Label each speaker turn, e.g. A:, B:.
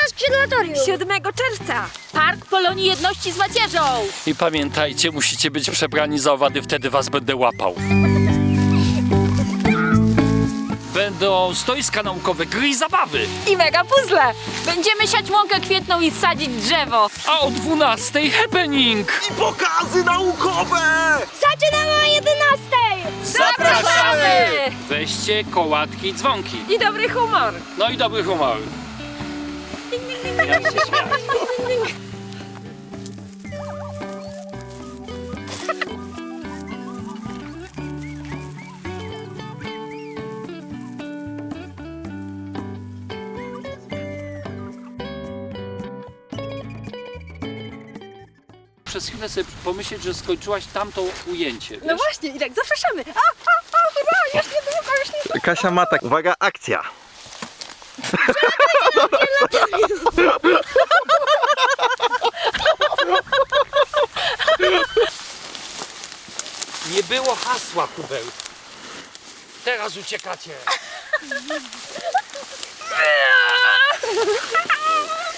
A: skrzydlatorium.
B: 7 czerwca.
C: Park Polonii Jedności z Macierzą.
D: I pamiętajcie, musicie być przebrani za owady, wtedy was będę łapał. Będą stoiska naukowe, gry i zabawy.
B: I mega puzzle.
C: Będziemy siać łąkę kwietną i sadzić drzewo.
D: A o 12:00 happening.
E: I pokazy naukowe!
A: Zaczynamy o 11:00.
C: Zapraszamy!
D: Weźcie kołatki i dzwonki.
B: I dobry humor.
D: No i dobry humor. Ja się śmiać. Przez chwilę sobie pomyśleć, że skończyłaś tamto ujęcie.
B: No
D: Wiesz?
B: właśnie, i tak zapraszamy. Hurra, już niedługo, już niedługo.
E: Kasia ma tak, uwaga, akcja.
D: Nie było hasła, Hubert. Teraz uciekacie.